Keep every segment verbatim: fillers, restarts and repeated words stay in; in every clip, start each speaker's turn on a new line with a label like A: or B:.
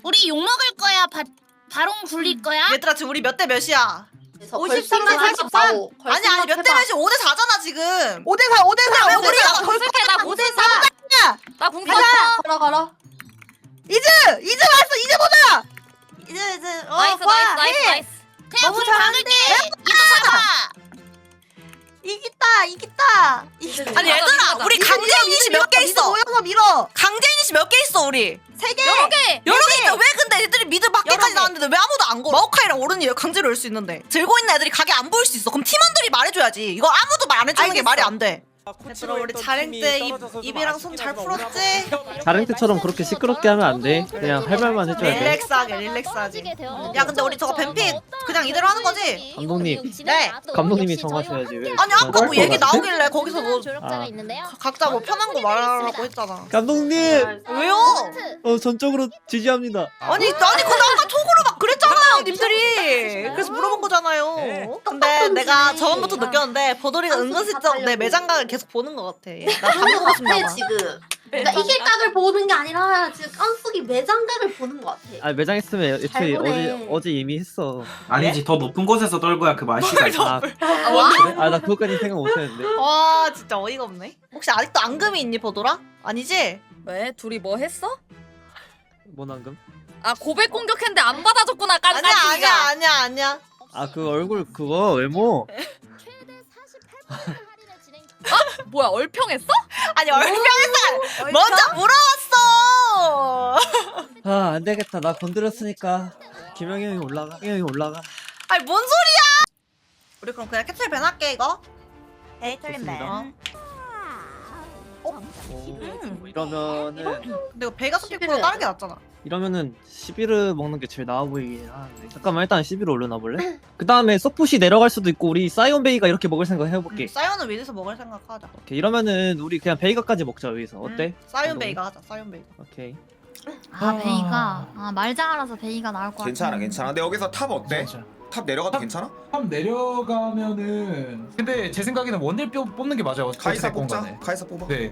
A: 우리 욕 먹을 거야? 바, 바론 굴릴 거야?
B: 얘들아 지금 우리 몇 대 몇이야?
C: 오십삼 대 사십삼.
B: 아니 아니 몇 대 몇이 오 대 사잖아 지금.
D: 오 대 사 오 대 사
B: 왜
D: 오 대
B: 우리가
D: 사
C: 어떻게 나
D: 오 대
C: 못했어?
D: 사
C: 나 궁
D: 가자.
C: 썼어. 가라 가라.
D: 이즈 이즈 왔어 이즈 보자.
B: 이제 이제 어,
C: 나이스
D: 와,
C: 나이스 나이스
D: 해.
C: 나이스.
A: 그냥
D: 너무
A: 불 박을게. 이거 잡아.
B: 이기다 이기다. 아니
C: 가자,
B: 얘들아
C: 가자.
B: 우리 강제 이니시 몇 개 있어?
D: 모여서 밀어.
B: 강제 이니시 몇 개 있어 우리?
D: 세 개.
C: 여러 개.
B: 여러 개 있는데 왜 근데 애들이 미드 밖에까지
D: 여러 개.
B: 나왔는데 왜 아무도 안 걸어? 마오카이랑 오른이 강제로 열 수 있는데 들고 있는 애들이 가게 안 보일 수 있어. 그럼 팀원들이 말해줘야지. 이거 아무도 말 안 해주는 게
D: 알겠어.
B: 말이 안 돼.
E: 얘들아
B: 우리 자랭 때 입, 입이랑 손 잘 풀었지?
F: 자랭 때처럼 그렇게 시끄럽게 하면 안 돼. 그냥 할 말만 해줘야 돼.
B: 릴렉스하게 릴렉스하게. 야 근데 우리 저거 뱀픽 그냥 이대로 하는 거지?
F: 감독님.
B: 네.
F: 감독님이 정하셔야지 왜.
B: 아니 아까 뭐
F: 할
B: 얘기
F: 것 같아?
B: 나오길래 거기서 뭐
F: 아.
B: 각자 뭐 편한 거 말하라고 했잖아.
F: 감독님!
B: 왜요?
F: 어 전적으로 지지합니다.
B: 아니 아니 근데 아까 톡으로 막 그랬잖아요 님들이. 그래서 물어본 거잖아요. 근데 내가 저번부터 느꼈는데 버돌이가 은근슬쩍 내 매장각을 계속 보는 것 같아. 나
G: 보는 것
B: 담고 싶나
G: 같아
B: 봐.
G: 지금. 그러니까 이길 각을 보는 게 아니라 지금 깐숙이 매장각을 보는 것 같아.
F: 아 매장 했으면 애초에
G: 잘 보네.
F: 어제 어제 이미 했어.
E: 아니지 더 높은 곳에서 떨고야 그 맛이가 있어.
F: 아,
G: 와?
F: 그래? 아 나 그것까지 생각 못했는데.
B: 와 진짜 어이가 없네. 혹시 아직도 앙금이 있니 버돌아? 아니지?
C: 왜 둘이 뭐 했어?
F: 뭔 황금?
C: 아 고백 공격했는데 안 받아줬구나
B: 아니야
C: 깐깐이가.
B: 아니야 아니야 아니야.
F: 아 그 얼굴 그거 외모.
C: 뭐야 얼평했어?
B: 아니 얼평에서 먼저 물어봤어.
F: 아 안 되겠다. 나 건드렸으니까 김영희 형이 올라가. 김영희 형이 올라가.
B: 아니 뭔 소리야? 우리 그럼 그냥 캐틀 밴 할게 이거.
D: 에이 틀린
F: 좋습니다.
D: 밴.
F: 오, 이러면은
B: 근데 이거 베가 스픽보다 다른 게 낫잖아.
F: 이러면은 시비르 먹는 게 제일 나아 보이긴 하는데 잠깐만 일단 시비르 올려놔 볼래? 그 다음에 서폿이 내려갈 수도 있고 우리 사이온 베이가 이렇게 먹을 생각 해볼게.
B: 음, 사이언은 위에서 먹을 생각하자.
F: 오케이 이러면은 우리 그냥 베이가까지 먹자 여기서 어때?
B: 음, 사이언
F: 감독님?
B: 베이가 하자. 사이언 베이가.
F: 오케이.
H: 아 베이가 아 말장알아서 베이가 나올 것 같아.
I: 괜찮아 괜찮아. 근데 여기서 탑 어때? 탑 내려가도 괜찮아?
J: 탑 내려가면은 근데 제 생각에는 원딜 뼈 뽑는 게 맞아요.
I: 카이사
J: 어찌됐건
I: 뽑자.
J: 간에.
I: 카이사 뽑아.
J: 네.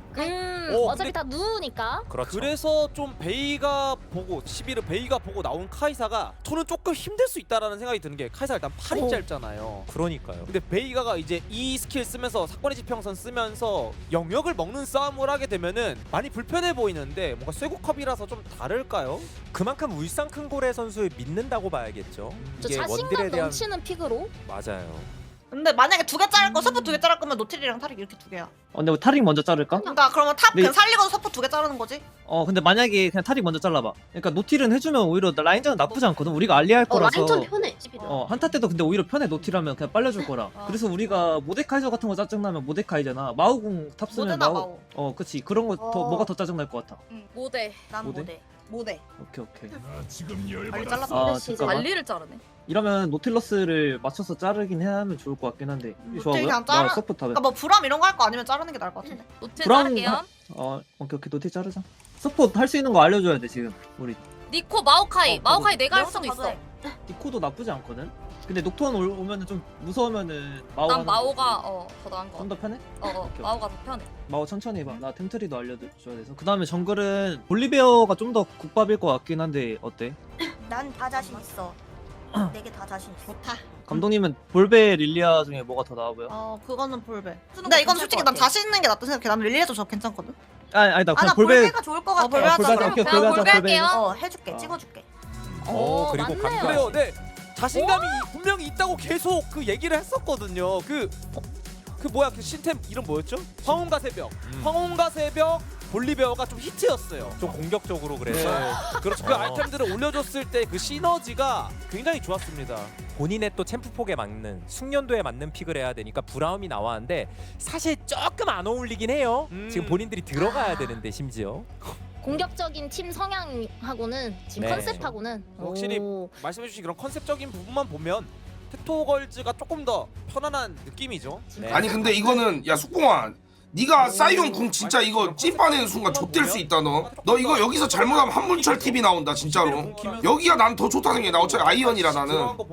H: 음
E: 어,
H: 어차피 다 누우니까.
E: 그렇죠. 그래서 좀 베이가 보고 시비르 베이가 보고 나온 카이사가 저는 조금 힘들 수 있다라는 생각이 드는 게 카이사 일단 팔이
H: 어.
E: 짧잖아요. 그러니까요. 근데 베이가가 이제 이 스킬 쓰면서 사건의 지평선 쓰면서 영역을 먹는 싸움을 하게 되면은 많이 불편해 보이는데 뭔가 쇠고컵이라서 좀 다를까요?
K: 그만큼 울산 큰고래 선수를 믿는다고 봐야겠죠.
H: 저
K: 이게 원딜에
H: 자신감
K: 대한
H: 넘치는 픽으로.
K: 맞아요.
B: 근데 만약에 두 개 자를 거 서폿 두 개 자를 거면 노틸이랑 타릭 이렇게 두 개야.
F: 어 근데 우리 타릭 먼저 자를까?
B: 그러니까 그러면 탑
F: 네.
B: 그냥 살리고도 서폿 두 개 자르는 거지?
F: 어 근데 만약에 그냥 타릭 먼저 잘라봐. 그러니까 노틸은 해주면 오히려 라인전은 나쁘지 않거든. 우리가 알리할
G: 어
F: 거라서.
G: 라인전 편해.
F: 어 한타 때도 근데 오히려 편해. 노틸하면 그냥 빨려줄 거라. 그래서 우리가 모데카이저 같은 거 짜증나면 모데카이잖아. 마우궁 탑 쓰면
B: 모데나
F: 마우.
B: 마오.
F: 어 그치 그런 거 더
D: 어.
F: 뭐가 더 짜증날 것 같아.
C: 모대.
B: 난
F: 모대?
B: 모대. 모대.
F: 오케이 오케이.
B: 빨리 잘랐어.
F: 아
G: 그렇지,
F: 잠깐만.
C: 관리를 자르네.
F: 이러면 노틸러스를 맞춰서 자르긴 해야 하면 좋을 것 같긴 한데.
B: 노틸
F: 좋아 보여?
B: 그냥
F: 나
B: 자르-
F: 서포트 하면.
B: 그러니까 뭐 브람 이런 거 할 거 아니면 자르는 게 나을 것 같은데.
C: 노틸
F: 브라운
C: 자를게요.
F: 하- 어 오케이 오케이 노틸 자르자. 서포트 할 수 있는 거 알려줘야 돼 지금 우리.
C: 니코 마오카이.
F: 어,
C: 마오카이
F: 그거.
C: 내가 할 수도 있어.
F: 니코도 나쁘지 않거든. 근데 녹턴 올- 오면은 좀 무서우면은 마오.
C: 난 마오가 어 더 나은 거.
F: 좀더 편해?
C: 어, 어
F: 오케이.
C: 마오가 더 편해.
F: 마오 천천히 해봐. 나 템트리도 알려줘야 돼서. 그 다음에 정글은 볼리베어가 좀 더 국밥일 것 같긴 한데 어때?
D: 난 다 자신 있어. 네 개 다 자신 있어.
B: 좋다.
F: 감독님은 볼베 릴리아 중에 뭐가 더 나아 보여?
B: 어 그거는 볼베.
D: 쓰는
B: 근데
D: 거
B: 이건
D: 괜찮을
B: 솔직히
D: 것
B: 난
D: 같아.
B: 자신 있는 게 낫다 생각해. 난 릴리에도 저 괜찮거든.
F: 아니 아니다
D: 아나
F: 그냥 볼베.
D: 볼베가 좋을 것 같아.
B: 어, 볼베 하자,
F: 볼베
B: 그럼.
F: 오케이
C: 그냥
F: 볼베 하자
C: 볼베
F: 볼베.
C: 할게요.
D: 어 해줄게 찍어줄게.
K: 오,
C: 오
K: 그리고
C: 맞네요.
K: 감-
E: 그래요. 네. 자신감이 분명히 있다고 계속 그 얘기를 했었거든요. 그 그 뭐야 그 신템 이름 뭐였죠? 황혼과 새벽.
K: 음.
E: 황혼과 새벽 볼리베어가 좀 히트였어요.
K: 좀 공격적으로 그래서
E: 네. 그렇죠. 그
K: 어.
E: 아이템들을 올려줬을 때 그 시너지가 굉장히 좋았습니다.
K: 본인의 또 챔프폭에 맞는 숙련도에 맞는 픽을 해야 되니까 브라움이 나왔는데 사실 조금 안 어울리긴 해요.
E: 음.
K: 지금 본인들이 들어가야 되는데 심지어.
H: 공격적인 팀 성향하고는 지금
K: 네.
H: 컨셉하고는
E: 확실히
H: 오.
E: 말씀해주신 그런 컨셉적인 부분만 보면 테토걸즈가 조금 더 편안한 느낌이죠.
K: 네.
I: 아니 근데 이거는 야 숙봉아. 네가 사이온 궁 진짜 이거 찐빠내는 순간 좆될 수 있다 너. 너 이거 여기서 잘못하면 한문철 티비 나온다 진짜로. 여기가 난 더 좋다 생각해. 나 어차피 아이언이라 나는.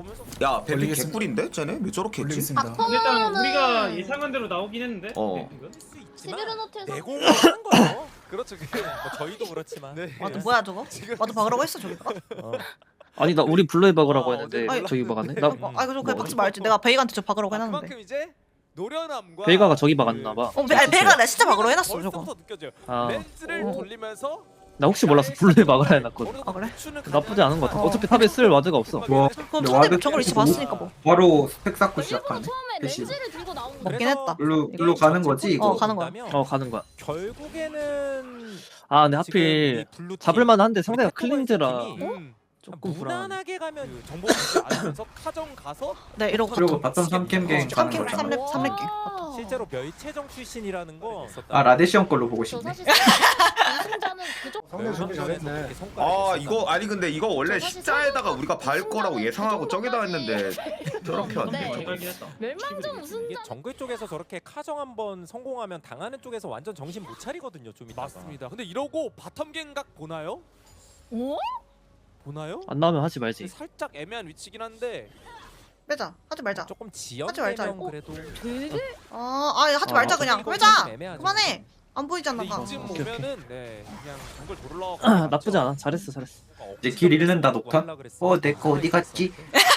J: 야, 뱀픽
I: 개꿀인데 쟤네 왜 저렇게 했지?
H: 바텀은
F: 예상한 대로 나오긴 했는데.
I: 어.
H: 시비르 노틸
K: 내공을 하는 거죠.
E: 그렇죠. 그
K: 뭐 저희도 그렇지만.
E: 네.
B: 와도 뭐야 저거?
E: 지금
B: 와도 박으라고 했어 저기다가?
K: 어.
F: 아니 나 우리 블루에 박으라고
E: 아,
F: 했는데
B: 어디
F: 저기 박았네. 나
B: 어, 아 이거 저 그냥
F: 뭐
B: 박지 말지. 내가 베이가한테 저 박으라고 해놨는데.
E: 그만큼 이제 노련함과
F: 베이가가 저기 박았나 봐.
B: 어, 베, 아니 베이가 내가 진짜 박으라고 해놨어 저거.
E: 벌써부터 느껴져요.
F: 아,
E: 렌즈를
B: 어.
E: 돌리면서
F: 나 혹시 몰라서 블루에 박으라 해놨거든.
B: 아, 그래?
F: 나쁘지 않은 것 같아.
B: 어.
F: 어차피 탑에 쓸 와드가 없어.
J: 와,
B: 그럼
J: 근데
B: 상대
J: 와드
B: 정글 이치
J: 보고
B: 봤으니까 뭐.
J: 바로 스택 쌓고
C: 일부러
J: 시작하네.
C: 처음에
J: 대신.
C: 렌즈를 들고 나온 거.
B: 먹긴 했다.
J: 일로 일로 가는 거지 이거.
B: 어, 가는 거야.
F: 어 가는 거야.
K: 결국에는
F: 아 근데
K: 지금 이
F: 하필
K: 블루 팀,
F: 잡을만 한데
K: 우리
F: 상대가
K: 태권도의
F: 클린즈라
K: 팀이
E: 음.
F: 조금 불안.
K: 무난하게 가면
E: 그 정보 주지 않으면서 카정 가서
B: 네 이러고
J: 그리고 바텀 삼 캠 갱 가는
B: 삼캠
J: 거잖아.
B: 삼렙 삼렙 갱.
K: 실제로 멸체정 출신이라는 거 있었다.
J: 아 라데시언 걸로 보고
C: 저
J: 싶네.
C: 사실 우승자는 그쪽.
K: 상대 준비 잘했네.
L: 아 이거 아니 근데 이거 원래 십자에다가 우리가 발 거라고 예상하고 저기다 했는데 저렇게 왔네.
C: 멸망전
K: 이게
C: 우승자.
K: 정글 쪽에서 저렇게 카정 한번 성공하면 당하는 쪽에서 완전 정신 못 차리거든요. 좀 이따가.
E: 맞습니다. 근데 이러고 바텀 갱각 보나요?
C: 오?
E: 보나요?
F: 안 나오면 하지 말지.
E: 살짝 애매한 위치긴 한데
B: 빼자. 하지 말자.
K: 조금
B: 하지 말자,
K: 지연되면
B: 이거.
K: 그래도
C: 되게
B: 아, 아 하지
F: 아,
B: 말자 그냥.
K: 이거
B: 빼자.
K: 좀 애매하죠.
B: 그만해. 안 보이잖아.
E: 근데
B: 다.
E: 이쯤
F: 오케이,
E: 오면은 네 그냥 정글 돌러
F: 아, 나쁘지 않아. 잘했어 잘했어.
J: 이제 길 잃는다 녹턴. 어 내 거 어디 갔지?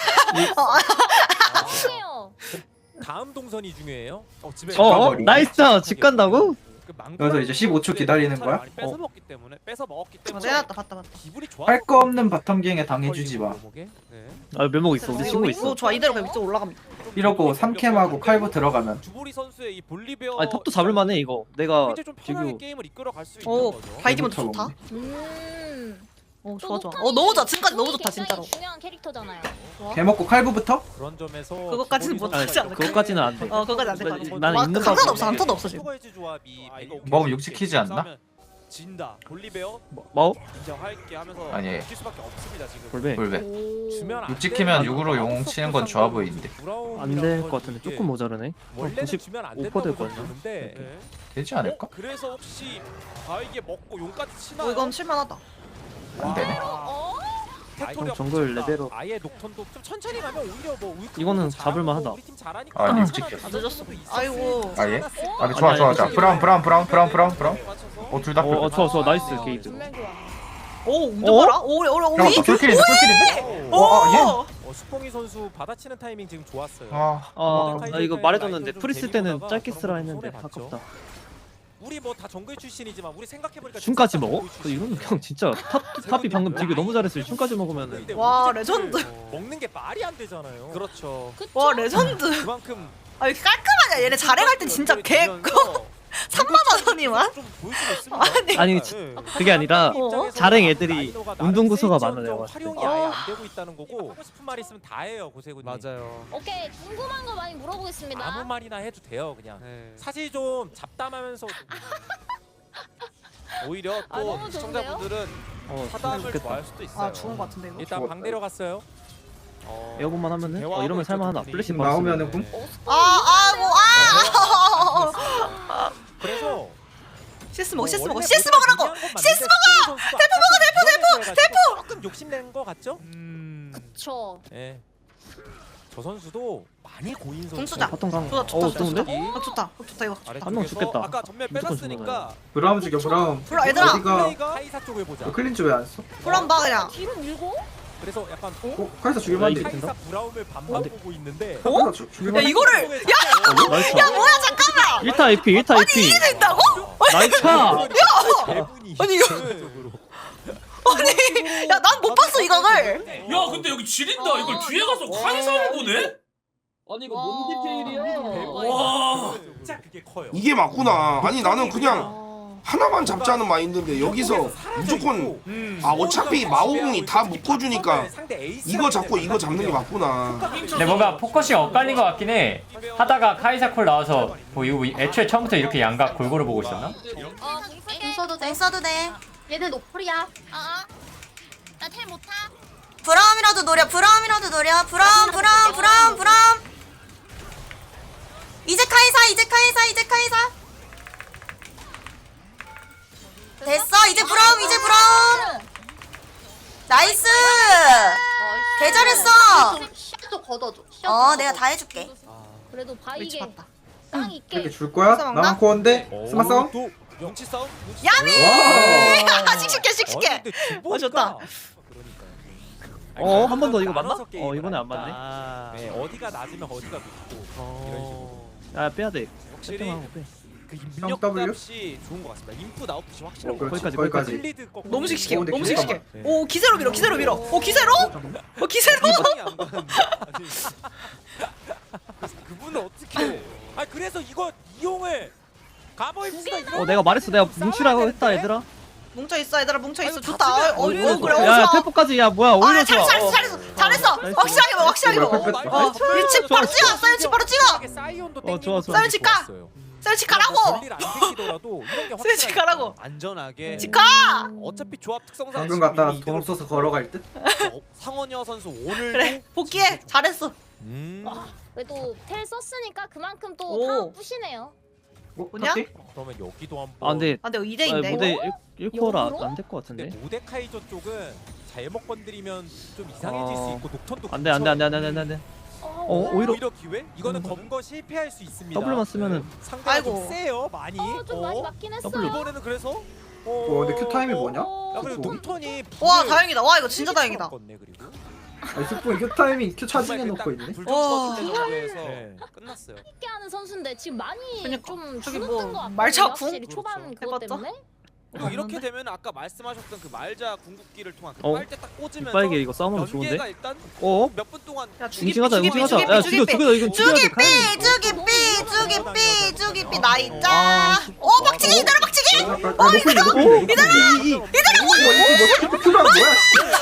C: 중요해요.
K: 다음 동선이 중요해요.
E: 어, 집에
F: 어, 어
J: 가버리네.
F: 나이스. 집 간다고?
E: 그 망고
J: 그래서 이제 십오 초 기다리는 거야?
E: 많이 뺏어
F: 어.
E: 먹기 때문에 뺏어 먹었기
B: 아,
E: 때문에
B: 내가 봤다 봤다 봤다.
E: 기분이 좋아.
J: 할 거 없는 바텀 갱에 당해주지 마.
E: 네.
F: 아 멸목 있어. 우리 친구
B: 이거
F: 있어.
B: 좋아. 이대로 그냥 위쪽 올라갑니다.
J: 이러고 삼 캠하고 칼부 들어가면.
E: 주보리 선수의 이 볼리베어
F: 아니 탑도 잡을만해 이거. 내가
E: 굉장히 좀 편하게
F: 지금
E: 게임을 이끌어 갈 수 있는
B: 오,
E: 거죠.
B: 바이디 먼저
J: 해볼
B: 좋다.
J: 차
C: 음.
B: 어 좋아 좋아. 어 너무 좋아. 지금까지 너무 좋다 진짜로.
C: 중요한 캐릭터잖아요.
J: 개 먹고 칼부부터?
K: 그런 점에서
B: 그것까지는
K: 주보리
B: 못하지
K: 선수가
B: 않을까?
F: 그것까지는 안 돼.
B: 어 그거까지 안될 것 같아.
F: 나는
B: 와,
F: 있는
B: 강타도
F: 거
B: 없어. 강타도 없어 지금.
K: 슈퍼에즈 조합이
E: 아, 이거 오케이.
J: 먹으면 육지키지 않나?
E: 싸우면 진다. 볼리베어
F: 뭐?
E: 인정할게 하면서
L: 아니.
E: 이길 수밖에 없습니다 지금.
F: 볼배.
J: 볼배.
K: 주면 안
J: 육 찍히면
K: 되는
J: 육으로 용 치는 건 좋아 보이는데.
F: 안 될 것 같은데 조금 모자르네.
K: 원래는
F: 구십
K: 주면 안
F: 오
K: 된다고
F: 퍼센트 될 거야.
K: 보는데
E: 네.
J: 되지 않을까?
E: 어? 그래서 혹시 바위게 먹고 용까지 치나요?
B: 어 이건 실만하다.
J: 안 되네.
C: 어?
E: 텍토리가
F: 정글
E: 붙였다.
F: 레벨업.
K: 아예 녹턴도 좀 천천히 가면 오히려 뭐 울크
F: 이거는
K: 잘하고
F: 잡을만 하다.
K: 우리 팀 잘하니까
J: 아,
K: 괜찮아.
J: 육 찍혔어.
K: 그 정도도
B: 늦었어.
K: 있었을
B: 아이고.
K: 수
J: 아, 예?
K: 않았을까?
J: 아 좋아 좋아 좋아. 브라운 브라운 브라운 브라운 브라운 브라운. 어 둘 다.
F: 어, 어 좋아 좋아 나이스 게이드.
C: 정말 좋아.
B: 오 운전 봐라. 오 오래 오래 오래.
J: 잠깐만 솔킬인데 솔킬인데?
B: 오.
J: 어, 아, 예?
K: 어, 수봉이 선수 받아치는 타이밍 지금 좋았어요.
J: 아
F: 아,
K: 모데카이
F: 나 이거
K: 선수의
F: 말해줬는데
K: 라이트를
F: 프리스
K: 좀
F: 때는
K: 데리고
F: 짧게
K: 나가서
F: 쓰라
K: 그런
F: 했는데
K: 손해 봤죠.
F: 아깝다.
K: 우리 뭐 다 정글 출신이지만 우리 생각해보니까
F: 춤까지
K: 진짜
F: 먹어?
K: 정글
F: 그 이건
K: 출신이에요.
F: 그냥 진짜 탑 탑이 방금 되게 너무 잘했어요. 춤까지 먹으면은
K: 근데
B: 와,
K: 우리
B: 레전드.
K: 팀들 먹는 게 말이 안 되잖아요.
E: 그렇죠.
B: 와 레전드.
E: 그만큼
B: 아 이렇게 깔끔하냐. 얘네 자랭할 때 진짜 개 삼만 원이만.
E: 좀 보일 수 있습니다.
B: 아니.
F: 아니
E: 네.
F: 아니라
K: 입장에서
F: 자랭 애들이
K: 난이도가
F: 운동
K: 나름
F: 구조가
K: 세이지언정
F: 많아요, 봤을 때.
K: 활용이 아예 안 되고 있다는 거고 하고 싶은 말 있으면 다 해요 고세군님.
E: 맞아요.
C: 오케이 궁금한 거 많이 물어보겠습니다.
K: 아무 말이나 해도 돼요 그냥.
E: 네.
K: 사실 좀 잡담하면서
E: 오히려
C: 아,
E: 또
C: 너무
E: 시청자분들은
F: 어
E: 사담을
F: 좋겠다.
E: 좋아할 수도 있어요.
B: 아 죽은 것 같은데 이거.
K: 일단 방 내려갔어요.
E: 어,
F: 에어건만 하면은 어 이러면 살만하다. 플래시
J: 지금
F: 바로
J: 나오면은
F: 쓰면.
J: 군?
B: 아 아이고 아.
K: 그래서
B: 시스 먹어 시스
K: 뭐
B: 먹어
K: 원래
B: 시스
K: 모델
B: 먹으라고.
K: 중요한 건
B: 시스
K: 맞는데 대포 먹어 대포 대포 대포 조금 욕심낸 거 같죠?
E: 음.
C: 저
K: 예. 저 선수도 많이 고인 선수.
B: 공수자.
F: 바텀 강.
B: 좋다, 좋다,
F: 어
B: 좋다,
F: 좋은데?
B: 아 좋다. 어, 좋다 이거.
F: 한 명 죽겠다.
E: 아까 전멸
F: 무조건
E: 빼놨으니까
J: 브라운 죽여 브라운.
B: 불러 얘들아.
J: 어디가?
K: 카이사 쪽을 보자.
J: 너 클린즈 왜 안 써?
B: 불안 봐 그냥.
C: 뒤로 밀고
K: 그래서 약간
J: 어? 카이사 죽일만 한데.
K: 카이사 브라움을 반반 보고 있는데.
J: 카이사 죽- 죽일만
B: 야
J: 한데.
B: 이거를
F: 어, 나이스.
B: 야 뭐야 잠깐만.
F: 일 타 에이피 일 타 에이피.
B: 이게 된다고?
F: 나이스.
K: 대분이
B: 아니, 이거- 아니 야 난 못 봤어 이거를.
M: 야 근데 여기 지린다. 이걸 뒤에 가서 카이사를 보네?
C: 아니 이거 뭔 디테일이야?
M: 와.
K: 진짜 그게 커요.
I: 이게 맞구나. 아니 나는 그냥 하나만 잡자는 마인드인데 여기서 무조건
E: 음.
I: 아 어차피 마오궁이 다 묶어주니까 이거 잡고 이거 잡는 게 맞구나.
M: 근데 뭔가 포커싱 엇갈린 것 같긴 해. 하다가 카이사 콜 나와서 뭐 이거 애초에 처음부터 이렇게 양각 골고루 보고 있었나?
C: 어 궁
G: 써도 돼.
D: 써도 돼.
C: 얘는 노플이야.
A: 아, 나텔 못 타.
D: 브라움이라도 노려. 브라움이라도 노려. 브라움 브라움 브라움 브라움. 이제 카이사 이제 카이사 이제 카이사. 됐어 이제 브라움 이제 브라움. 나이스. 개 잘했어.
C: 샷도 걷어줘.
D: 어 내가 다 해줄게.
C: 그래도
B: 위치
C: 바이게
B: 봤다.
C: 땅 있게.
J: 이렇게 줄 거야?
B: 스마 먹나?
J: 나만 코어인데? 스마 싸움?
E: 눈치 싸움? 눈치
B: 야미!
E: 싸움?
B: 씩씩해 씩씩해.
E: 아니, 근데
B: 어 좋다.
F: 어 한 번 더 이거 맞나?
K: 나눠서
F: 어
K: 게임을
F: 이번에 안
K: 하니까.
F: 맞네.
E: 아,
K: 네, 어디가 낮으면 어디가 높고 이런 식으로.
F: 야 빼야 돼.
E: 확실히
F: 세팅하고 빼.
E: 그 입력값이 좋은 것 같습니다. 인풋 아웃풋이 확실한 것 같아요.
F: 거기까지 거기까지.
K: 슬리드 거
B: 너무 씩씩해.
J: 오, 근데
B: 너무
J: 기세가
B: 씩씩해.
E: 네.
B: 오 기세로 밀어. 기세로 밀어. 오 기세로? 어 기세로?
E: 이번이 안 가는데. 아니, 그래서 그분은 어떻게?
K: 아 그래서 이거 이용을 가버입시다.
F: 어 내가 말했어. 내가 뭉치라고 했다 얘들아.
B: 뭉쳐 있어 얘들아 뭉쳐 있어.
E: 아이고,
B: 좋다.
E: 다
B: 어, 어,
E: 치면-
B: 어, 그래. 어,
F: 야
B: 좋아.
F: 템포까지 야 뭐야 오히려
B: 아
F: 좋아.
B: 잘했어
F: 어.
B: 잘했어 잘했어.
F: 나이스.
B: 확실하게 먹어 확실하게 먹어.
J: 어,
B: 어 일치 바로 찍어. 사이언치 바로 찍어.
K: 사이온도
F: 어, 좋아, 좋아.
B: 사이언치 가. 사이언치 가라고.
K: 별일 안 생기더라도 이런 게
B: 사이언치
K: 확실하니까.
B: 가라고.
E: 안전하게.
B: 치카.
E: 어차피 조합 특성상
J: 방금 갔다 돈 없어서 걸어갈 듯?
E: 어, 상원여 선수 오늘
B: 그래 복귀해. 잘했어.
E: 음.
A: 그래도 텔 썼으니까 그만큼
B: 오.
A: 또 다 부시네요.
J: 어?
B: 뭐냐?
J: 탑디?
K: 그러면 여기도 한번.
F: 아 근데
B: 아 근데 이
F: 아,
B: 대인데
F: 무대
B: 이거?
F: 일 코어라
A: 역으로?
F: 안 될 것
K: 근데
F: 같은데.
K: 모데카이저 쪽은 잘못 건드리면 좀 이상해질
F: 어.
K: 수 있고 녹턴도
F: 안돼 안돼 안돼 안돼 안돼 안돼. 어 오히려
K: 오히려 기회? 이거는 검거 실패할 수 있습니다.
F: 더블만 쓰면은
K: 상대가
B: 아이고.
K: 좀 세요 많이.
A: 어, 좀 많이
K: 어.
A: 맞긴 했어요.
F: 더블
E: 이번에는 그래서
K: 어.
J: 어 근데 큐 타임이 뭐냐?
K: 야 그리고
J: 뭐?
K: 녹턴이
B: 와
K: 불을
B: 다행이다. 와 이거 진짜 다행이다.
K: 껐네, 그리고.
J: 아니 스포 큐 타이밍 큐 차징해 놓고 있네?
E: 불좀
B: 와.
E: 껐을 때 정도에서
K: 네.
E: 끝났어요.
A: 쉽게 하는 선수인데 지금 많이
B: 그러니까.
A: 좀
B: 저기
A: 주눅든
B: 뭐
A: 것 같아요.
B: 말차 궁?
A: 확실히 초반
E: 그렇죠.
A: 그것
B: 해봤자?
A: 때문에.
E: 그리고 이렇게 되면 아까 말씀하셨던 그 말자 궁극기를 통한 그
F: 어?
E: 빨대 딱 꽂으면서
F: 빨개 이거 싸우면
E: 연계가
F: 좋은데.
E: 일단
F: 어?
E: 몇 분 동안
B: 야 죽이
F: 뭉칭하자
B: 죽이
F: 뭉칭하자.
B: 죽이
F: 야
B: 죽이
F: 죽여
B: 죽이
F: 죽여 이거 죽여야 돼. 가야 돼.
B: 죽이 삐 죽이 삐 죽이 삐 나이자.
F: 아,
B: 오 박치기 이대로 박치기.
J: 아 놓고 있네 놓고 있네
F: 이들아 이 이.
J: 이거 뭐 큐가 뭐야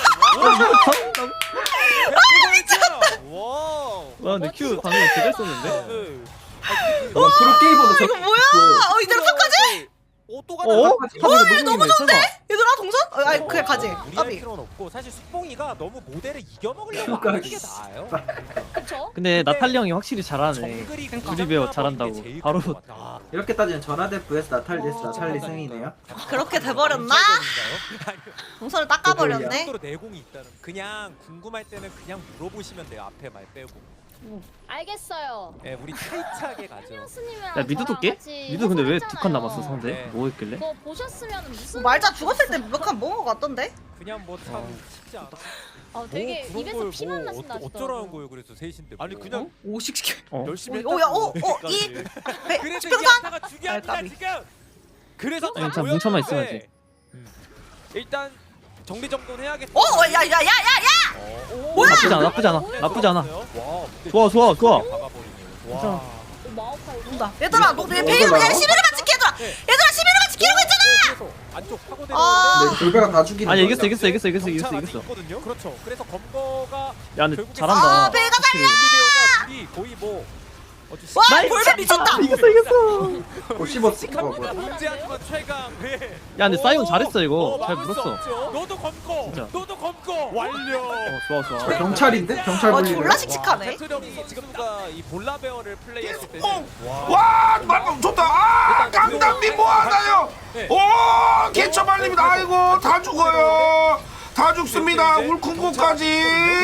E: 와.
F: 와 근데 큐 방금 제대로 썼는데.
E: 네.
J: 어 프로게이머도
B: 이거 뭐야? 어 이대로 끝까지?
E: 오또
F: 어?
E: 가나?
F: 어 너무 좋은데.
B: 얘들아 동선? 어, 아니 그냥 가지.
K: 무리할
B: 까비.
K: 필요는 없고 사실 숙봉이가 너무 모델을 이겨먹으려고 안 하는 게 나아요.
A: 그쵸?
F: 근데 나탈리 형이 확실히 잘하네.
K: 정글이
F: 우리 배우 잘한다고. 바로
K: 아,
J: 이렇게 따지면 전화대 vs 나탈 vs 나탈리 승이네요
B: 그렇게 돼버렸나? 동선을 닦아버렸네.
K: 정도로 내공이 있다는. 그냥 궁금할 때는 그냥 물어보시면 돼요. 앞에 말 빼고.
A: 알겠어요.
K: 네, 우리 타이트하게 가죠.
A: 신우스님이랑
F: 야 미드도 깨? 미드 근데 왜 두 칸 남았어 상대?
K: 네.
F: 뭐 했길래?
A: 그거 보셨으면 무슨
B: 말자 죽었을 때 몇 칸 먹은 거 같던데?
K: 그냥 뭐 참 쉽지 않아.
A: 어, 되게
K: 뭐 그런
A: 입에서
K: 걸
A: 피만
K: 뭐
A: 나신다
K: 어쩌- 어쩌라는 거예요 그래서 셋인데 뭐.
E: 아니 그냥
B: 오씩씩해.
F: 어?
E: 열심히
B: 오, 야, 오,
E: 했다고.
B: 오, 이,
E: 여기까지.
B: 배,
K: 그래서 이
B: 평상?
K: 아타가 중요합니다
B: 아, 까비.
K: 지금.
E: 그래서
F: 아니, 참 뭉쳐만 있어야지.
E: 일단 정리정돈 해야겠어.
B: 오, 야, 야, 야, 야, 야!
F: 뭐야? 나쁘지 않아 나쁘지 않아 나쁘지 않아.
E: 와, 근데
F: 좋아 좋아 좋아.
K: 박아버리네요.
E: 와.
A: 마오카이.
B: 온다. 얘들아, 너내 베이로 야 시비르만 지켜 얘들아. 얘들아 시비르만 지키라고 했잖아.
K: 그래서 안쪽 파고
B: 아.
K: 내려오는데
J: 근데 골배가 다 죽이는
F: 아니
J: 거야.
F: 이겼어 이겼어 이겼어 이겼어 이겼어
K: 정찰
F: 이겼어.
K: 아직 있거든요. 그렇죠. 그래서 검거가
F: 야 근데
K: 결국에
F: 잘한다.
B: 아, 배가
F: 확실히.
K: 올리베오가 둘이 거의 뭐 어찌
B: 와,
F: 나이스!
B: 볼배 미쳤다.
F: 이겼어 이겼어.
J: 어 씹었어 어, 뭐야.
E: 문제하지만 최강. 네.
F: 야 근데 사이온
E: 오!
F: 잘했어 이거.
K: 어,
F: 잘
K: 막을 수
F: 물었어.
K: 없죠. 너도 검거.
F: 진짜.
K: 너도 검거. 완료.
F: 어 좋아 좋아.
J: 저 경찰인데? 경찰
B: 어,
J: 불리네
B: 졸라 씩씩하네.
E: 배트령이 지금가 이 볼라베어를 플레이했을 때는
I: 와 맞다 좋다 아 강담님 뭐하나요
E: 네.
I: 오 개처 말립니다 아이고 다 죽어요 다 죽습니다 울쿵구까지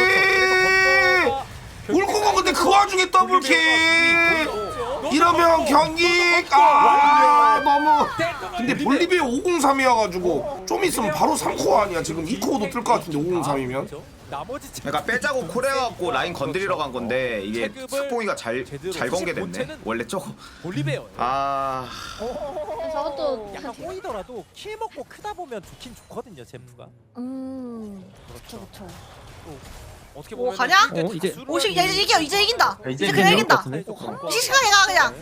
I: 울쿵구 근데 그 와중에 더블킥 이러면 경기 아 너무 근데 볼리비아 오공삼이어가지고 좀 있으면 바로 삼 코어 아니야 지금 이 코어도 뜰 것 같은데 오공삼이면
K: 나머지
L: 그러니까 빼자고 콜해갖고 라인 건드리러 간 건데 이게 숙봉이가 잘 잘 건개됐네. 원래 저거
E: 볼리베어.
L: 아
A: 저것도
K: 약간 꼬이더라도 킬 먹고 크다 보면 좋긴 좋거든요 제프가.
A: 음. 그렇죠, 그렇죠.
E: 어떻게
B: 오,
E: 보면
B: 가냐?
F: 어, 이제-
B: 오십 야 이제 이겨 이제 이긴다.
F: 야,
B: 이제
F: 이제
B: 그냥
F: 이길 것
B: 이긴다.
F: 같은데?
B: 씩씩하게 가 그냥.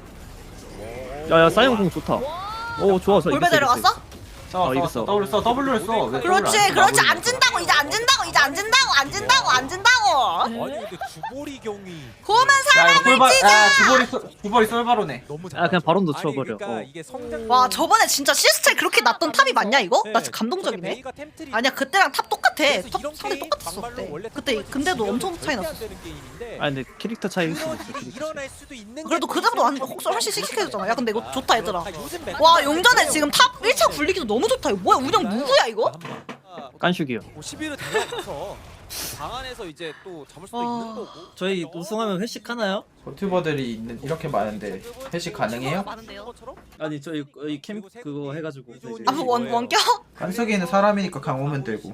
F: 야야 사이온 공 좋다. 오 좋아 좋아.
B: 볼배
F: 이겼어,
B: 내려갔어?
F: 이겼어. 어 이겼어.
J: W 써 W를 써 왜
B: 그렇지, 그렇지. 안 진다고 이제 안 진다고 이제 안 진다고 안 진다고 안 진다고.
K: 아니 근데 주보리 경이
B: 고만 사람을 찢어.
J: 야 주벌이 주벌이 썰바로네
K: 너무
F: 아 그냥 바론도
K: 아니,
F: 쳐버려.
K: 그러니까
F: 어.
K: 이게 성장.
B: 와 저번에 진짜 시스템 그렇게 났던 탑이 맞냐 이거? 나 진짜 감동적이네.
K: 베이가 템트리
B: 아니야 그때랑 탑 똑같아.
K: 그래서
B: 탑
K: 이런
B: 상대
K: 게임
B: 똑같았어
K: 막말로
B: 그때.
K: 원래
B: 그때
K: 탑
B: 근데도
K: 지면
B: 엄청 차이
K: 절대 안
B: 났어.
K: 되는 게임인데
F: 아 근데 캐릭터 차이 있어.
K: 그런 일이 일어날 수도 있는
B: 그래도
K: 게
B: 그때보다 완전
K: 있어요.
B: 혹시 훨씬 씩씩해졌잖아. 야 근데 이거 좋다 얘들아.
K: 아, 요즘 메타
B: 와 용전에 지금 탑 일 차 굴리기도 너무 좋다. 이거 뭐야 운영 누구야 이거?
F: 깐슈기요.
E: 뭐 시비를 달려서 방 안에서 이제 또 잡을 수도
B: 아.
E: 있는 거고.
F: 저희 우승하면 회식하나요?
J: 유튜버들이 있는 이렇게 많은데 회식 가능해요?
B: 많은데요?
F: 아니 저희 이 캠 그거 해가지고
B: 아원 원격?
J: 한석이는 사람이니까 강 오면 되고.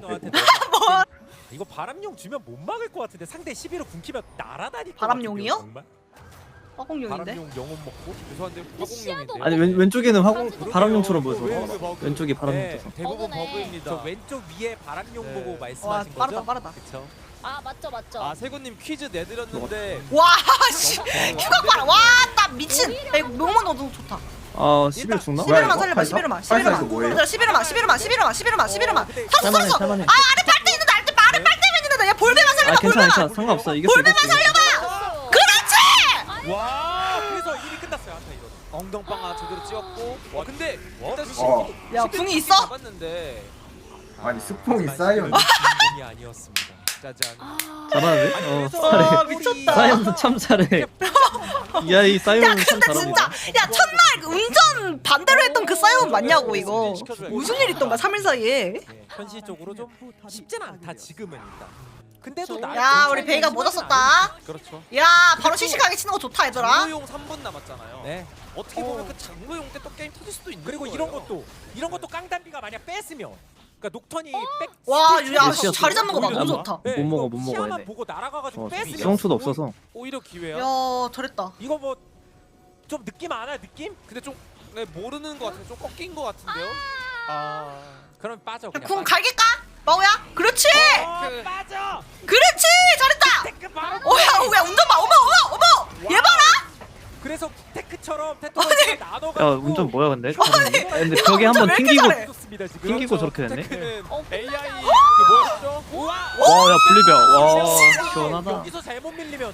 K: 이거 바람용 주면 못 막을 것 같은데 상대 십일호 궁키면 날아다닐 것
B: 바람용이요?
K: 같은데요, 정말?
B: 화공룡인데?
K: 바람용 영혼 먹고 죄송한데 화공룡인데.
F: 아니 왼, 왼쪽에는 화공
K: 그러게요.
F: 바람용처럼
K: 왜, 왜
F: 보여서
K: 버그?
F: 왼쪽이 바람용
K: 네,
F: 쳐서
K: 대부분
A: 버그네.
K: 버그입니다. 저 왼쪽 위에 바람용
E: 네.
K: 보고
B: 와
K: 말씀하신
B: 빠르다
K: 거죠?
B: 빠르다.
K: 그쵸?
A: 아 맞죠 맞죠.
E: 아 세군님 퀴즈 내드렸는데
B: 와씨 휴가 봐라. 와나 미친. 야 이거 명만 너무 좋다.
F: 아 십일 죽나?
B: 십일만 살려봐. 십일만 십일만.
L: 카이사에서 뭐해?
B: 얘들아 십일만 십일만 십일만 십일만 십일만.
F: 살만해 살만해
B: 아 아래 빨대 있는데 아래 아래 빨대면 있는데. 야 볼배만
F: 아
B: 살려봐.
F: 괜찮아
B: 볼배만.
F: 괜찮아 상관없어 이겼어
B: 볼배만
F: 이겼어
B: 살려봐. 그렇지.
K: 와 그래서 일이 끝났어요 한타 이거.
E: 엉덩방아 제대로 찍었고. 와 근데 일단
L: 어.
B: 야 궁이 있어?
E: 잡았는데.
L: 아니 스폰이 쌓여.
K: 이 아니었습니다.
E: 짜잔.
F: 잘하는데? 어
K: 그래서
F: 잘해
B: 아 미쳤다.
F: 사이언도 참 잘해 야이
B: 야
F: 사이언은 참
B: 근데 진짜
F: 잘합니다
B: 야 첫날 그 운전 반대로 했던 그 사이언 맞냐고 이거. 무슨 일 있던가 삼 일 사이에.
K: 예, 현실적으로 좀 쉽진 않다 지금은 일단. 근데도 나
B: 야 우리 베이가 못 왔었다.
E: 그렇죠.
B: 야 바로 시식하게 치는 거 좋다 얘들아.
E: 장로용 삼 분 남았잖아요.
K: 네.
E: 어떻게 보면 그 장로용 때 또 게임 터질 수도 있는
K: 그리고
E: 거예요.
K: 이런 것도 이런 것도 깡단비가 만약 뺐으면 그러니까 녹턴이 백
B: 와,
K: 스틸
B: 야,
K: 스틸
B: 자리 잡는 거 봐.
K: 오히려
B: 너무
K: 좋아.
B: 좋다.
K: 네,
F: 못 먹어,
K: 이거
F: 못 먹어,
K: 시야만
F: 얘네.
K: 보고 날아가가지고
F: 어,
K: 뺐으면
F: 수용초도 없어서
E: 오히려 기회야.
B: 야 잘했다.
K: 이거 뭐 좀 느낌 안 와 느낌?
E: 근데 좀 네, 모르는 것 같아요. 좀 꺾인 것 같은데요.
K: 아 그럼 빠져 그냥
B: 궁
K: 빠져.
B: 갈길까? 마오야? 그렇지.
K: 어, 빠져.
B: 그렇지. 잘했다.
K: 테크 바로.
B: 오야 오야 운전 봐. 어머 어머 어머. 얘 봐라.
K: 그래서 테크처럼 테토를 나눠가지고.
F: 야 운전 뭐야 근데? 근데 벽에 한번
B: 왜 이렇게
F: 튕기고
B: 잘해?
K: 좋습니다 지금.
F: 튕기고 저렇게 됐네
E: 테크는
A: 어,
E: 에이아이 그 뭐였죠?
K: 우와.
F: 와야 분리벽 와 시원하다
K: 여기서 잘못 밀리면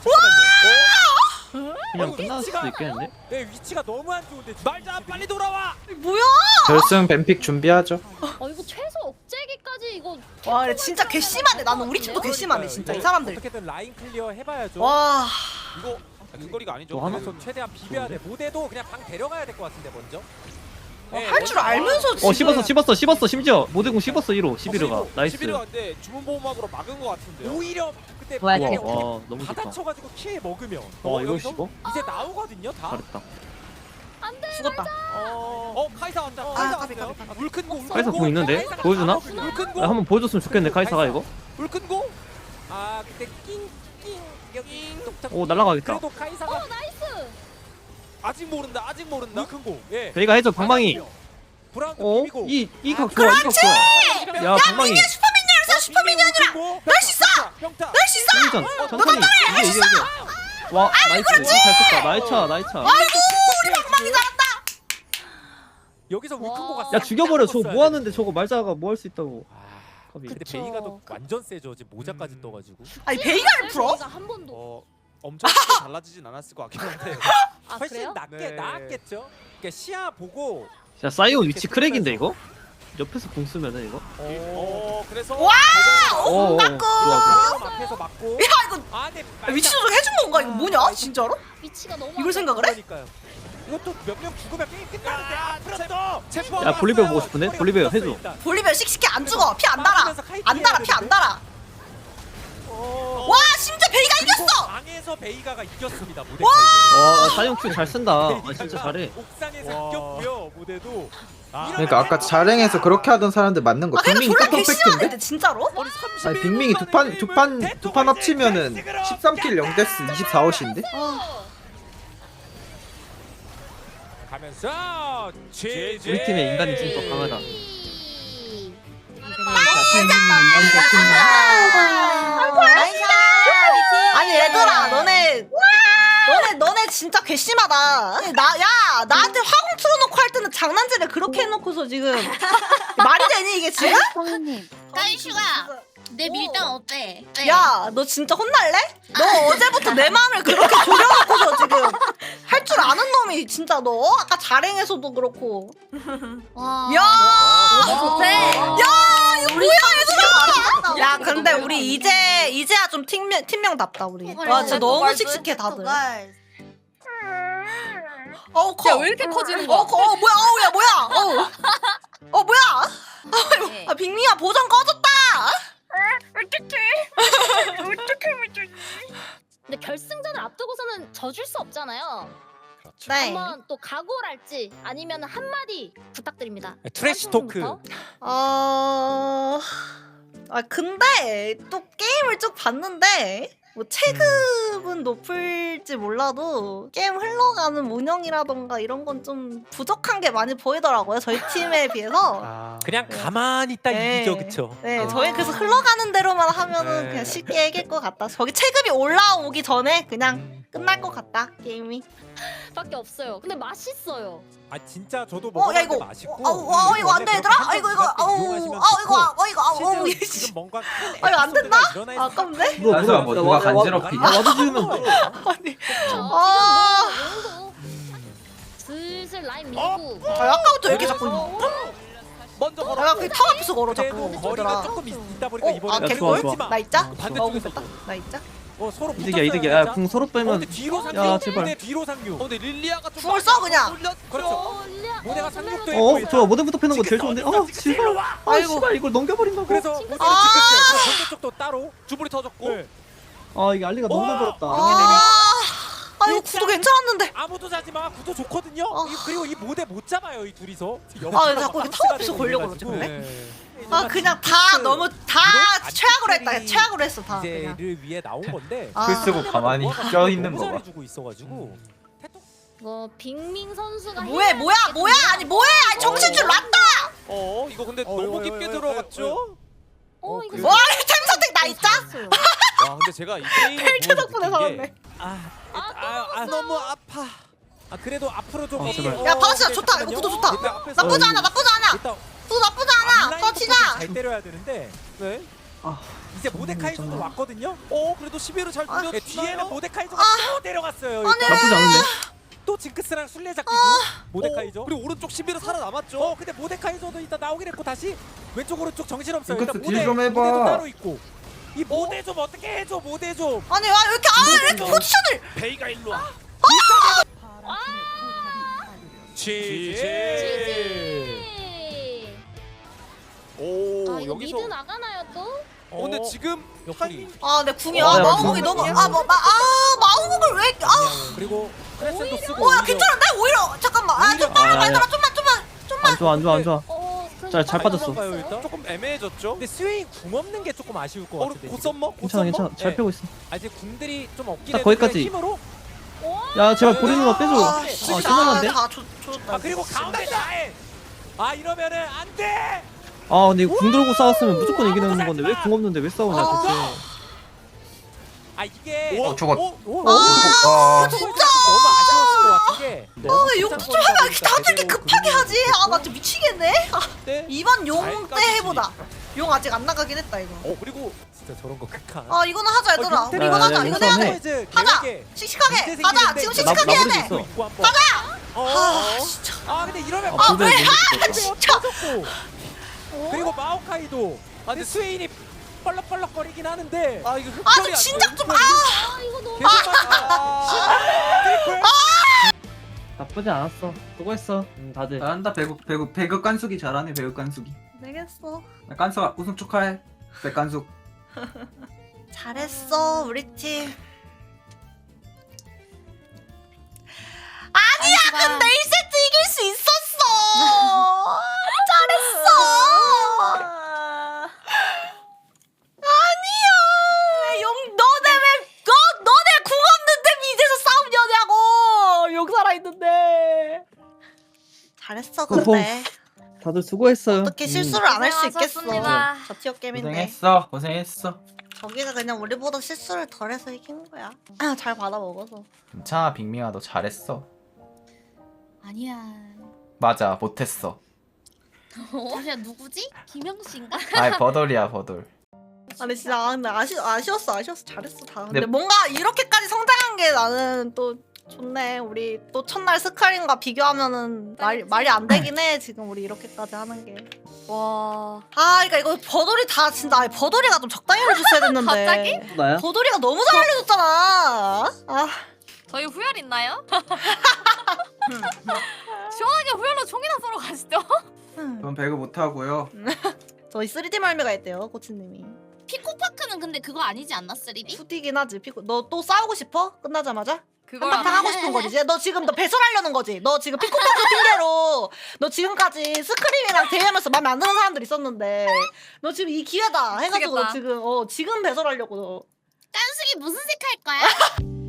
K: 잠깐만요.
F: 그냥 끝날 수도 있겠는데?
K: 네 위치가 너무 안 좋은데. 말자 빨리 돌아와.
B: 뭐야?
J: 결승 뱀픽 준비하죠.
A: 어 이거 최소 억제기까지 이거.
B: 와 근데 진짜 괘씸하네. 나는 우리 팀도 괘씸하네 진짜 이 사람들.
K: 어떻게든 라인 클리어 해봐야죠.
B: 와.
E: 이거 근거리가 아니죠.
F: 뭐 하나?
K: 그래서 최대한 비벼야 돼. 모대도 그냥 방 데려가야 될 것 같은데 먼저. 네,
B: 할 줄 알면서 지금.
F: 어 씹었어 씹었어 씹었어 심지어 모대공 씹었어 일 호 십일호가 나이스
E: 십일호가 근데 주문 보호막으로 막은 것 같은데요.
K: 오히려 그때
H: 뭐야,
K: 그냥
F: 와, 와 너무 좋다
K: 받아쳐가지고 킬 먹으면
F: 와 이걸
K: 여기서
F: 씹어?
K: 이제 나오거든요 다.
F: 잘했다
B: 죽었다.
K: 어, 어 카이사 왔다.
B: 아,
K: 카이사
B: 까비,
K: 왔어요.
B: 까비, 까비.
K: 물큰 고.
F: 카이사 공 있는데? 보여주나?
K: 물큰 고.
F: 야, 한번 보여줬으면 좋겠네 카이사가 이거
K: 물큰 고. 아 그때 낑낑 여기 독특.
F: 오 날라가겠다
K: 그래도 카이사가
A: 어 나이스.
E: 아직 모른다. 아직 모른다.
K: 물큰 고. 예.
F: 베이가 해줘 방망이
K: 브라운
F: 어?
K: 비비고.
F: 이이각 좋아 이각 좋아 야 방망이
B: 미니언 슈퍼미니언이야 슈퍼미니언이라.
K: 널수 있어. 평타.
B: 할 수 있어.
F: 승리전 천천히 이게 이게 이게 와 나이스 잘 썼다 나이차 나이차
B: 아이고 우리 방망이 잘한다.
K: 여기서 물큰 고가.
F: 야 죽여버려 저거 뭐하는데 저거 말자가 뭐 할 수 있다고 컵이.
K: 근데
A: 그쵸.
K: 베이가 도 완전 세죠. 지금 모자까지
E: 음.
K: 떠가지고.
B: 아니 베이가를 풀어?
A: 제가 한 번도.
E: 어 엄청 크게 달라지진 않았을 것 같긴 한데.
A: 아
K: 훨씬
A: 그래요?
K: 낫게
E: 네.
K: 나았겠죠. 그러니까 시야 보고.
F: 야 사이온 위치 크랙인데 이거? 옆에서 공 쓰면은 이거?
E: 어 그래서
B: 와!
F: 어, 어,
B: 맞고.
F: 좋아 좋아
K: 브라움 앞에서 맞고.
B: 야 이거
K: 아, 네.
B: 위치 조정 해준 건가? 이거 뭐냐? 진짜로?
A: 위치가 너무.
B: 이걸 생각을 해?
K: 그러니까요. 이것도 몇 명 죽으면 게임 끝나는데 앞으로 또. 체포.
F: 야, 볼리베어 보고 싶은데? 볼리베어 해줘.
B: 볼리베어 씩씩해 안 죽어. 피 안 달아. 안 달아. 피 안 달아. 와 심지어 베이가 이겼어.
K: 방에서 베이가가 이겼습니다. 모델.
F: 와 사이온 큐 잘 쓴다 아 진짜 잘해
K: 옥상에서
E: 와.
K: 이겼고요. 모델도.
J: 그러니까 아까 자랭에서 그렇게 하던 사람들 맞는 거.
B: 아 근데
J: 빅밍
B: 졸라
J: 또
B: 괘씸하네
J: 팩트인데?
B: 근데 진짜로?
J: 아니 빅밍이 두 판 두 판 두 판 합치면은 십삼 킬 영 데스 이십사 헛인데?
K: 가면서 제제.
F: 우리 팀의 인간이 좀 더 강하다
B: 아니 얘들아 너네 너네 너네 진짜 괘씸하다. 아니, 나, 야 나한테 화공 틀어놓고 할 때는 장난질을 그렇게 해놓고서 지금 말이 되니 이게 지금?
H: 성우님.
B: 까이슈가
H: 내 밀당 어때?
B: 야 너 진짜 혼날래? 너 어제부터 내 마음을 그렇게 졸여놓고서 지금 할 줄 아는 놈이 진짜 너 아까 자랭에서도 그렇고
H: 와.
B: 야
H: 좋대.
B: 야 이거 뭐야 얘들아. 야 근데 우리 이제 이제야 좀 팀명 팀명답다 우리. 와 진짜 너무 씩씩해 다들. 어우 커.
A: 왜 이렇게 커지는
B: 어, 커. 어 뭐야 어우 야 뭐야 어우 어 뭐야 아 빅미야 보정 꺼졌다. 어떡해
A: 없잖아요.
B: 네.
A: 한번 또 각오랄지 아니면 한마디 부탁드립니다.
K: 트래시 토크.
A: 한승부터.
B: 어... 아 근데 또 게임을 쭉 봤는데 뭐 체급은 높을지 몰라도 게임 흘러가는 운영이라던가 이런 건 좀 부족한 게 많이 보이더라고요. 저희 팀에 비해서.
K: 그냥 가만히 있다
B: 네.
K: 이기죠, 그쵸?
B: 네, 저희 그래서 흘러가는 대로만 하면은
K: 네.
B: 그냥 쉽게 이길 것 같다. 저기 체급이 올라오기 전에 그냥 끝날 것 같다 게임이.
A: 밖에 없어요. 근데 맛있어요.
K: 아 진짜 저도
B: 어, 야,
K: 먹었는데
B: 이거,
K: 맛있고.
B: 어, 어, 어, 이거 안 돼, 얘들아? 아, 이거, 이거, 아우, 아, 이거, 아, 이거, 아우,
K: 실제로
B: 이씨.
K: 지금 뭔가
B: 아, 이거 안 된다?
K: 일어나
B: 아, 아깝네.
F: 뭐,
J: 단수야, 뭐 누가 간지럽히냐?
F: 와드 지으면
B: 아니,
A: 어,
B: 아,
A: 지금 용도 슬슬 라인
K: 어?
A: 밀고.
B: 아, 아까부터 이렇게 자꾸.
E: 먼저 걸어.
B: 아, 그탑 앞에서 걸어
K: 그래도
B: 자꾸.
K: 거리가
B: 얘들아.
K: 조금 있- 있다 보니까
B: 어,
K: 이번에
B: 아,
F: 야,
B: 개꿀?
F: 좋아, 좋아.
B: 나 있자?
K: 반대쪽에서
B: 먹었다. 나 있자?
K: 어 서로
F: 이득이야 이득이야. 야, 궁 서로
K: 어,
F: 빼면
K: 근데 뒤로 상륙.
F: 야, 제발.
K: 근데 뒤로 상륙.
E: 어, 근데 릴리아가 좀
B: 궁을 써 그냥.
K: 그렇죠. 모대가 상륙도
F: 어,
K: 했고.
F: 좋아. 모델부터 패는 거 제일 좋은데. 어, 씨발. 아,
B: 아이고.
F: 씨발 이걸 넘겨버린다고.
K: 그래서 모대를
B: 아!
K: 지켰어요. 반대쪽도 따로.
E: 주불이 터졌고.
K: 네.
F: 아, 이게 알리가 너무 넘버렸다.
B: 아, 아, 이거 구도 괜찮았는데.
K: 아무도 자지 마. 구도 좋거든요.
B: 어.
K: 이- 그리고 이 모대 못 잡아요. 이 둘이서.
B: 아, 자꾸 이렇게 탑 앞에서 걸려고 그러지, 근데? 아, 그냥 다 너무 다 최악으로 했다. 그냥 최악으로 했어 다. 그냥.
K: 이제를 위해 나온 건데.
B: 아.
J: 글 쓰고 가만히 껴 있는
K: 너무
J: 거 봐.
K: 잘해주고 있어가지고.
A: 뭐 빅민 선수가
B: 뭐해,
A: 해야
B: 뭐야,
A: 될
B: 뭐야,
A: 게
B: 아니 뭐해, 아니 정신줄 놨다.
E: 어, 이거 근데
K: 어,
E: 너무
K: 어,
E: 깊게
K: 어, 어,
E: 들어갔죠?
A: 어,
K: 어,
A: 이거
K: 그래요?
B: 와, 템 선택 나 있자.
A: 잘했어요.
E: 와, 근데 제가 이 게임을
B: 펠트
E: 보면서
B: 덕분에
E: 느낀 게
B: 살았네.
K: 아,
A: 아,
K: 아, 아, 너무 아파. 아 그래도 앞으로 좀.
F: 어, 제발.
B: 야, 바나씨야, 좋다. 이거 구도 좋다.
K: 일단 앞에서
B: 나쁘지 않아, 나쁘지 않아.
K: 일단
B: 구도 나쁘지 않아.
K: 앞라인부터
B: 터치자.
K: 잘 때려야 되는데.
E: 네.
F: 아,
K: 이제 모데카이저도 왔거든요.
E: 어, 그래도 십일을 잘
B: 아,
E: 뚫렸어요.
K: 네, 뒤에는 모데카이저가 또 내려갔어요.
B: 아니.
K: 일단.
F: 나쁘지 않은데.
K: 또 징크스랑 술래잡기
B: 아.
K: 중 모데카이저.
E: 어, 그리고 오른쪽 십일은 살아남았죠.
K: 어 근데 모데카이저도 일단 나오긴 했고 다시 왼쪽 오른쪽 정신없어요.
J: 징크스
K: 일단
J: 딜좀 해봐.
K: 모데도 따로 있고. 이 모데 좀 어떻게 해줘 모데 좀.
B: 아니, 와, 왜 이렇게 아, 왜 이렇게 포지션을.
E: 베이가 일로 와.
K: 지지.
A: 지지.
E: 오,
A: 아, 이거
E: 여기서
A: 미드 나가나요 또?
E: 어, 근데 지금
K: 옆구리.
E: 타이밍
B: 아, 내 궁이
F: 어,
B: 아,
F: 야,
B: 마우공이
F: 궁.
B: 너무 아, 뭐, 마, 아, 마우공을 왜? 아,
K: 그리고 크레센도 쓰고.
B: 어, 야,
K: 오히려-
B: 괜찮은데? 오히려 잠깐만. 아, 좀
F: 아,
B: 빨리
F: 야, 야.
B: 얘들아, 좀만, 좀만, 좀만.
F: 안 좋아 안 좋아 안 좋아.
A: 어,
F: 잘- 잘 빠졌어.
K: 도망가요, 일단?
E: 조금 애매해졌죠.
K: 근데 스웨인 궁 없는 게 조금 아쉬울 것
E: 어,
K: 같은데.
E: 곧
K: 지금.
E: 썸머? 곧
F: 괜찮아
E: 썸머?
F: 괜찮아. 잘
K: 네.
F: 패고 있어.
K: 아 이제 궁들이 좀 없긴
F: 딱
K: 해도
F: 거기까지.
K: 그냥 힘으로.
F: 야, 제발 보리 누나 빼줘.
B: 아,
F: 아,
B: 진짜
F: 심한데?
B: 다 조, 조졌다.
K: 아 그리고 가운데 다해. 아 이러면은 안 돼.
F: 아, 근데 이거 궁 들고 싸웠으면 무조건 이기는 건데 왜 궁 없는데 왜 싸우냐
B: 아.
F: 대체.
K: 아 이게.
E: 오,
L: 어 저거
K: 오, 오,
L: 아,
K: 진짜 너무 아쉬웠을 것 같은 게.
B: 아, 왜 욕도 좀 해봐. 이렇게 다들 이렇게 급하게 하지. 아, 나 진짜 미치겠네. 아,
E: 때?
B: 이번 용 때
E: 잘까지.
B: 해보자. 용 아직 안 나가긴 했다 이거.
E: 어, 그리고
K: 진짜 저런 거 극한.
B: 아, 이거는 하자 얘들아.
K: 어,
B: 우리
F: 야,
B: 이거
F: 야,
B: 하자.
F: 야,
B: 이거
F: 이거
B: 해야
F: 해.
B: 돼. 하자. 씩씩하게. 가자. 지금 씩씩하게 해야 돼.
F: 있어.
K: 가자. 어.
B: 아, 진짜.
K: 아 근데 이러면
F: 아,
B: 왜?
K: 아
B: 진짜.
K: 그리고 마오카이도. 아 근데 스웨인이 뻘럭뻘럭거리긴 하는데.
E: 아, 이거
B: 아,
E: 흡혈이
B: 좀
E: 안
B: 진작
E: 돼.
B: 좀. 아,
A: 아, 이거 너무
K: 계속 아. 트리플.
F: 나쁘지 않았어. 수고했어. 응, 다들.
J: 잘한다 배구 배구 배구 깐숙이 잘하네 배구 깐숙이.
B: 되겠어.
J: 깐숙아 우승 축하해. 백깐숙.
B: 잘했어 우리 팀. 아니야, 근데 일 세트 이길 수 있었어. 잘했어. 아니야. 왜 용 너네 왜너 너네 궁 없는데 미드에서 싸우냐고. 용 살아 있는데. 잘했어 근데.
F: 다들 수고했어요.
B: 어떻게
F: 음.
B: 실수를 안 할 수 있겠어.
H: 고생하셨습니다.
B: 저 티어 게임인데.
J: 고생했어 고생했어.
B: 저기가 그냥 우리보다 실수를 덜해서 이긴 거야. 아, 잘 받아 먹어서.
J: 괜찮아 빅밍아 너 잘했어.
H: 아니야.
J: 맞아 못했어.
H: 잠시만 누구지? 김영씨인가?
J: 아이 버돌이야 버돌.
B: 아니 진짜 아, 근데 아쉬 아쉬웠어 아쉬웠어 잘했어 다. 근데
J: 네.
B: 뭔가 이렇게까지 성장한 게 나는 또 좋네. 우리 또 첫날 스카린과 비교하면은 말 말이 안 되긴 해. 지금 우리 이렇게까지 하는 게.
H: 와.
B: 아, 그러니까 이거 버돌이 다 진짜 아니, 버돌이가 좀 적당히 알려줬어야 됐는데.
H: 갑자기?
F: 나야?
B: 버돌이가 너무 잘 알려줬잖아. 아,
H: 저희 후열 있나요? 시원하게 후열로 총이나 쏘러 가시죠.
J: 전 배구 못하고요.
B: 저희 쓰리디 말미가 있대요 코치님이.
A: 피코파크는 근데 그거 아니지 않나 쓰리디?
B: 후디긴 하지. 피코. 너 또 싸우고 싶어? 끝나자마자?
A: 그걸
B: 한바탕 하고 싶은 거지. 이제 너 지금 너 배설하려는 거지. 너 지금 피코파크 핑계로 너 지금까지 스크림이랑 대회하면서 마음에 안 드는 사람들 있었는데 너 지금 이 기회다 해가지고 너
A: 미치겠다.
B: 지금 어 지금 배설하려고 너.
A: 깐숙이 무슨 색 할 거야?